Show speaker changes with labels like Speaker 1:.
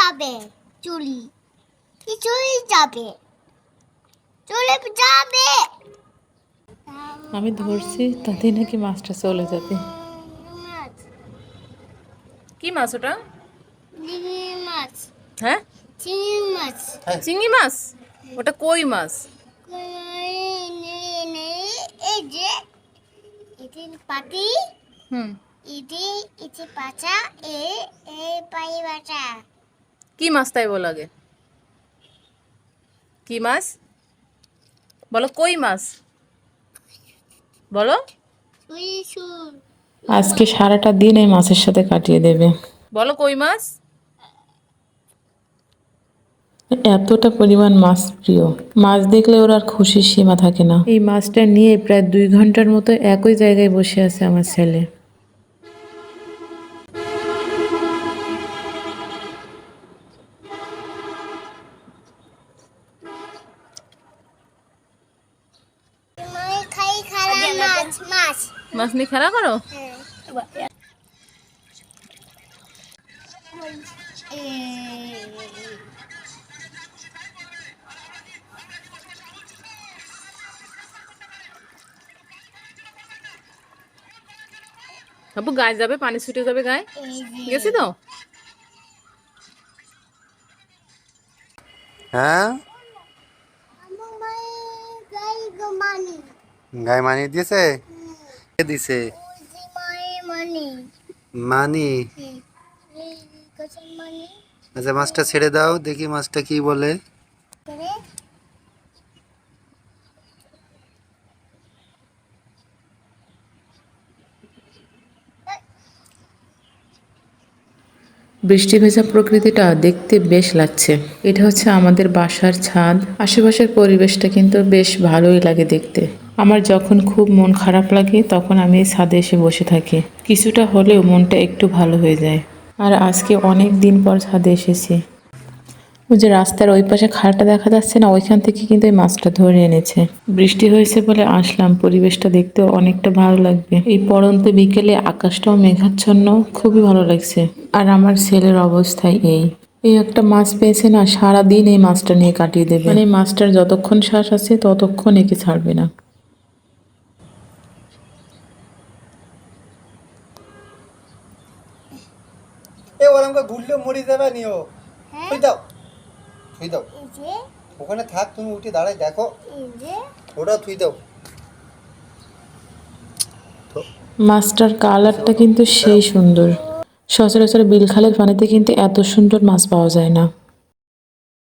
Speaker 1: যাবে চুলি চুলি যাবে চলে যাবে।
Speaker 2: আমি ধরছি তাতেই নাকি মাছটা চলে যাবে।
Speaker 1: মাছ
Speaker 2: কি মাছ ওটা?
Speaker 1: চিংড়ি মাছ।
Speaker 2: হ্যাঁ,
Speaker 1: চিংড়ি মাছ।
Speaker 2: চিংড়ি মাছ? ওটা কই মাছ।
Speaker 1: এই যে এটি পাটি
Speaker 2: হুম,
Speaker 1: এটি এটি পাচা এই পাই বাটা।
Speaker 2: কি মাছ তাই বলো আগে? কি মাছ বলো? কই মাছ বলো। আজকে সারাটা দিন এই মাছের সাথে কাটিয়ে দেবে। বলো কই মাছ। এতটা পরিমাণ মাছ প্রিয়, মাছ দেখলে ওর আর খুশির সীমা থাকে না। এই মাছটা নিয়ে প্রায় 2 ঘন্টার মতো একই জায়গায় বসে আছে আমার ছেলে।
Speaker 1: খাই খালা মাছ মাছ
Speaker 2: মাছ নিয়ে খেলা করো? আপু গায়ে যাবে, পানি ছুটে যাবে গায়ে। গেছি তো।
Speaker 3: হ্যাঁ, গায়ে মানি দিয়েছে। কে দিছে? মানি। আচ্ছা, মাছটা ছেড়ে দাও, দেখি মাছটা কি বলে।
Speaker 2: বৃষ্টি ভেজা প্রকৃতিটা দেখতে বেশ লাগছে। এটা হচ্ছে আমাদের বাসার ছাদ। আশেপাশের পরিবেশটা কিন্তু বেশ ভালোই লাগে দেখতে। আমার যখন খুব মন খারাপ লাগে তখন আমি এই ছাদে এসে বসে থাকি, কিছুটা হলেও মনটা একটু ভালো হয়ে যায়। আর আজকে অনেক দিন পর ছাদে এসেছি। ওই যে রাস্তার ওই পাশে খালটা দেখা যাচ্ছে না, ওইখান থেকে কিন্তু এই মাছটা ধরে এনেছে। বৃষ্টি হয়েছে বলে আসলাম, পরিবেশটা দেখতেও অনেকটা ভালো লাগবে। এই পড়ন্ত বিকেলে আকাশটাও মেঘাচ্ছন্ন, খুবই ভালো লাগছে। আর আমার ছেলের অবস্থায় এই একটা মাছ পেয়েছে না, সারাদিন এই মাছটা নিয়ে কাটিয়ে দেবে। মানে এই মাছটার যতক্ষণ শ্বাস আছে ততক্ষণ একে ছাড়বে না।
Speaker 3: এ ওরকম ঘুরলে মরে যাবে নিও। থুই দাও, থুই দাও। ওখানে থাক, তুমি উঠে দাঁড়ায় দেখো। ওটা থুই দাও।
Speaker 2: মাছটার কালারটা কিন্তু সেই সুন্দর। সচরাচর বিল খালের পানিতে কিন্তু এত সুন্দর মাছ পাওয়া যায় না।